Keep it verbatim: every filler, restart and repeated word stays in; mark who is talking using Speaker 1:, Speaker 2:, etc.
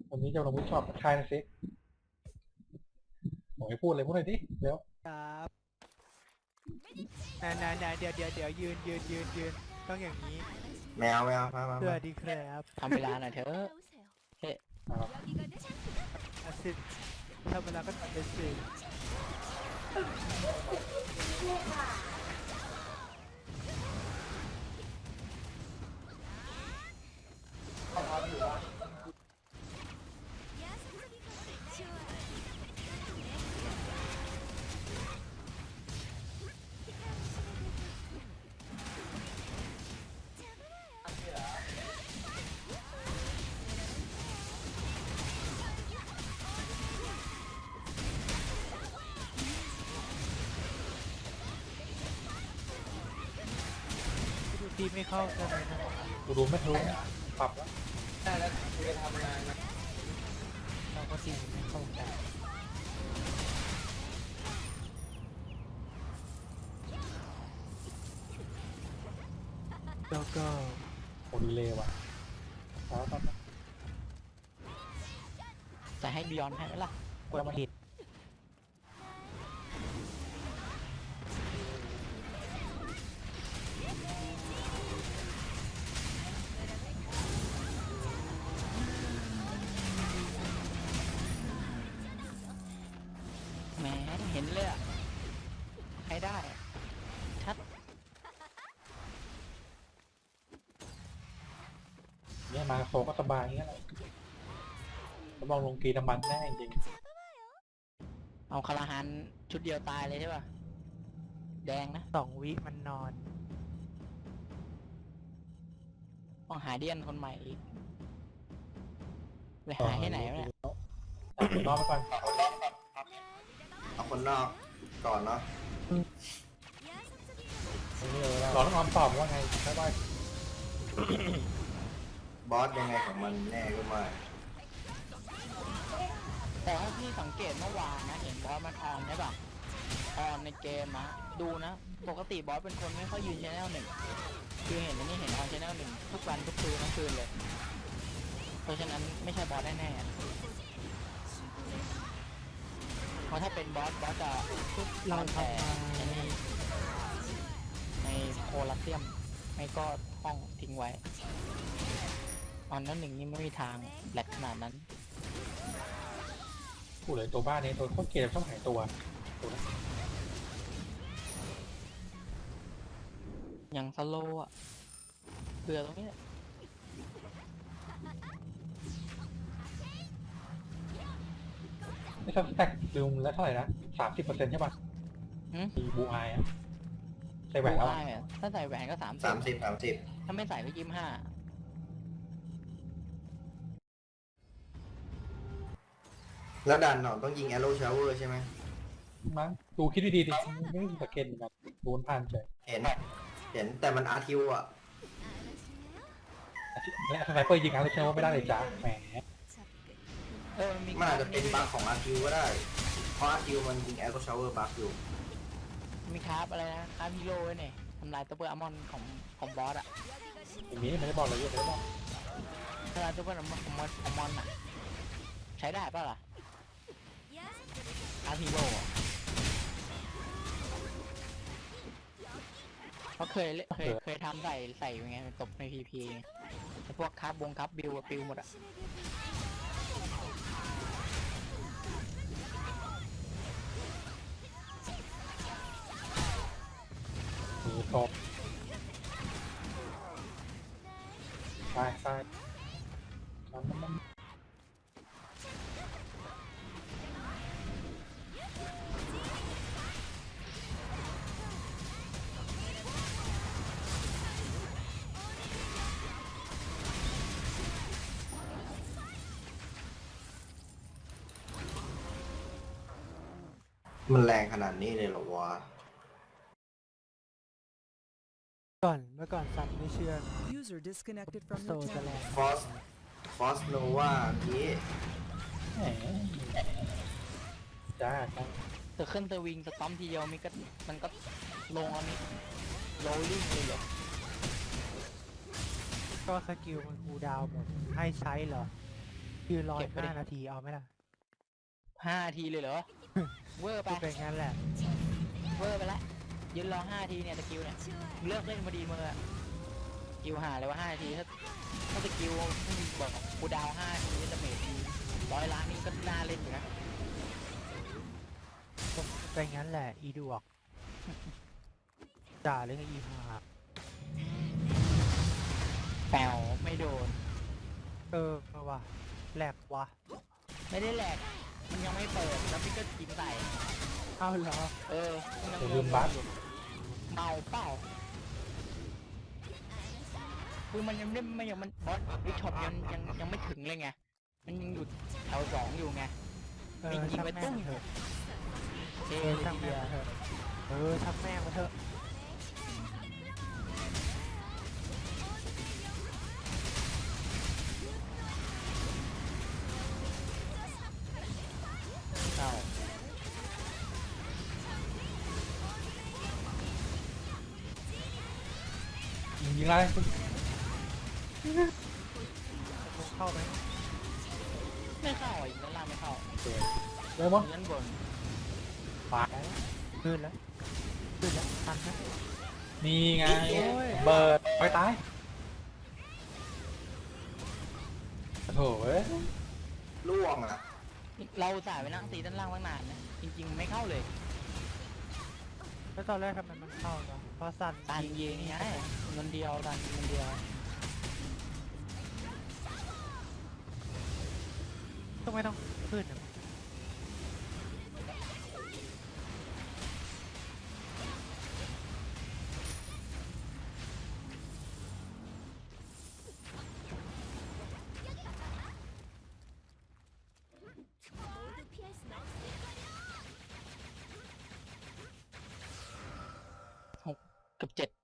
Speaker 1: วันนี้จะลงวิชอบกับใครนะซิผมไม่พูดเลยพูดหน่อยดิเร็ว
Speaker 2: ครับนานๆเดี๋ยวเดี๋ยวเดี๋ยวยืนยืนยืนยืนต้องอย่างนี้
Speaker 3: แมวแมวมามา
Speaker 2: สวัสดีครับ
Speaker 4: ทำเวลาหน่อยเถอะเฮ้
Speaker 1: ครับ
Speaker 2: อาสิทำเวลาก็ตัดเป็นสี่ดูทีไม่เข้าใช่ไหมนะ
Speaker 1: กูดูไม่รู้ปรับแล้ว
Speaker 3: ได้แล้วกูจะทำงานนะ
Speaker 2: เราก็ทีไม่เข้ากันแล้วก็
Speaker 1: โอ้ดีเลยว่ะแล้วก็
Speaker 4: จะให้บิยอนให้ไหมล่ะ
Speaker 2: กดผิด
Speaker 4: แหมเห็นเลยอะให้ได้อะชัด
Speaker 1: เนี่ยมาโซก็สบายอย่างเงี้ยแหละแล้วมองลงกีน้ำมันแน่จริง
Speaker 4: เอาคาราฮันชุดเดียวตายเลยใช่ป่ะแดงนะ
Speaker 2: สองวิมันนอน
Speaker 4: ต้องหาเดียนคนใหม่อีกไป
Speaker 1: ต่อ
Speaker 4: หาที่ไหนวะเนี่ย
Speaker 1: รอไปก่อน
Speaker 3: เอาคนนอกก่อนเนาะ
Speaker 1: นี่เลยรอต้องออมตอบว่าไงใช่ป่ะ
Speaker 3: บอสยังไงของมันแน่ก็ไม่
Speaker 4: แต่ถ้าพี่สังเกตเมื่อวานนะเห็นบอสมันออนใช่ป่ะออนในเกมนะดูนะปกติบอสเป็นคนไม่ค่อยยืนชแนลหนึ่งคือเห็นอันนี้เห็นออนชแนลหนึ่งทุกวันทุกคืนทั้งคืนเลย เพราะฉะนั้นไม่ใช่บอสแน่ๆเพราะถ้าเป็นบอสบอสจะ
Speaker 2: เรา
Speaker 4: นอนแต่
Speaker 2: ทำมา
Speaker 4: ในในโคลัสเซียมไม่ก็ห้องทิ้งไว้ออนนั้นหนึ่งนี่ไม่มีทางแหลกขนาดนั้น
Speaker 1: พูดเลยตัวบ้านนี้ตัวโคตรเกลียดชอบหายตัวตัวนั้น
Speaker 4: อย่างสโลว์อะเบื่อตรงนี้แหละ
Speaker 1: ไม่ชอบสแต็กลืมแล้วเท่าไหร่นะสามสิบเปอร์เซ็นต์ใช่ป่ะ
Speaker 4: หืม
Speaker 1: มีบูไออะใส่แหวนแล้ว
Speaker 4: ดูได้อะถ้าใส่แหวนก็สามสิ
Speaker 3: สา
Speaker 4: บ
Speaker 3: มสิบสามสิบ
Speaker 4: ถ้าไม่ใส่ก็ยี่สิบห้า
Speaker 3: แล้วดันเนาะต้องยิงแอโร่ชาวเวอร์ใช่ไหม
Speaker 1: มั้งดูคิดดีๆดิไม่ได้สแกนเหมือนกันโดนผ่านเฉย
Speaker 3: เห็น เห็นแต่มันอาร์ทิวอ่ะ
Speaker 1: และสไนเปอร์ยิงอะไรใช่ไหมว่าไม่ได้เลยจ้าแหม
Speaker 4: เออมี
Speaker 3: มันอาจจะเป็นบั๊กของอาร์ทิวก็ได้ เพราะอาร์ทิวมันยิงแอโร่ชาวเวอร์บั๊กอยู่
Speaker 4: มีคราฟอะไรนะคราฟฮีโร่ไว้เนี่ยทำลายตัวเปอร์อัลมอนด์ของของบอสอะ
Speaker 1: อย่างนี้ไม่ได้บอกเลยไม่ได้บอก
Speaker 4: ทำลายตัวเปอร์อัลมอนด์ของมอนของมอนอะใช้ได้ป่ะล่ะคราฟฮีโร่อะเพราะเคยเล่นเคยเคยทำใส่ใส่ยังไงตบในพีพีแต่พวกคราฟบงคราฟบิวอะปิวหมดอะ
Speaker 1: มีตบใช่ใช่มัน
Speaker 3: มันแรงขนาดนี้เลยเหรอวะ
Speaker 2: ก่อนเมื่อก่อนสัตว์ไม่เชื่อ
Speaker 5: User disconnected from
Speaker 2: โซ
Speaker 5: your
Speaker 2: จะแร
Speaker 5: channel.
Speaker 2: ง
Speaker 3: ฟอส ฟอสโนวานี้
Speaker 1: แหมจ้าจ้า
Speaker 4: เธอขึ้นเธอวิงสตอมทีเดียวมันก็มันก็ลงแล้วนี่โรลลิ่งเลยเหรอ
Speaker 2: ก็สกิลมันคูลดาวน์หมดให้ใช้เหรอยืนรอ
Speaker 4: เก็
Speaker 2: อี
Speaker 4: บ
Speaker 2: ก
Speaker 4: ไปดิ
Speaker 2: ห้านาทีเอาไหมล่ะ
Speaker 4: ห้านาทีเลยเหรอ เวอร์ไป
Speaker 2: พูดไปงั้นแหละ
Speaker 4: เวอร์ไปละยืนรอห้านาทีเนี่ยสกิลเนี่ยมึงเลิกเล่นพอดีมึงอะสกิลหาเลยว่าห้านาทีถ้าถ้าสกิลบอกกูดาวห้านาทีจะเมททีร้อยล้านนี่ก็น่าเล่นอยู่นะ
Speaker 2: พูดไปงั้นแหละ อีดวกด่าเรื่องอีหา
Speaker 4: แปวไม่โดน
Speaker 2: เออว่ะแหลกว่ะ
Speaker 4: ไม่ได้แหลกมันยังไม่เปิดแล้วพี่ก็กินใส่
Speaker 2: เอ้าเหรอ
Speaker 4: เออมันยัง
Speaker 1: อย่าลืมบัฟ
Speaker 4: อยู่เมาเปล่าคือมันยังไม่ไม่ยังมันบอสวิช็อปยังยังยังไม่ถึงเลยไงมันยังอยู่แถวสองอยู่ไง
Speaker 2: เออ
Speaker 4: ไม่ยิง
Speaker 2: ช่าง
Speaker 4: ไป
Speaker 2: แม่
Speaker 4: ตุ้
Speaker 2: ง
Speaker 4: ม
Speaker 2: เถอะ
Speaker 4: เอ
Speaker 2: เออ
Speaker 4: ที
Speaker 2: ช่าง
Speaker 4: เดี
Speaker 2: แม่
Speaker 4: ยว
Speaker 2: งเถอะเออช่างแม่งมาเถอะ
Speaker 4: เข้า
Speaker 1: ยิงยิงอะไร
Speaker 2: จะลงเข้าไหม
Speaker 4: ไม่เข้าอีกด้านล่างไม่เข้า
Speaker 1: เร็วมั้ง
Speaker 4: ด้านบน
Speaker 1: ปาด
Speaker 2: ขึ้นแล้วขึ้นแล้วทันนะ
Speaker 1: นี่ไง
Speaker 2: โอ้ย
Speaker 1: เบิดไปตายโถ่เว้ย
Speaker 3: ล่วงอ่ะ
Speaker 4: เราสายไปนั่งตีด้านล่างตั้งนานนะจริง ๆ ไม่เข้าเลย
Speaker 2: แล้วตอนแรกทำไมมันเข้าเนาะเพราะสัน
Speaker 4: ตันยิงไงเงินเดียวตันยิงเงินเดียว
Speaker 2: ต้องไม่ต้องขึ้นอะ
Speaker 4: เกือบเจ็ด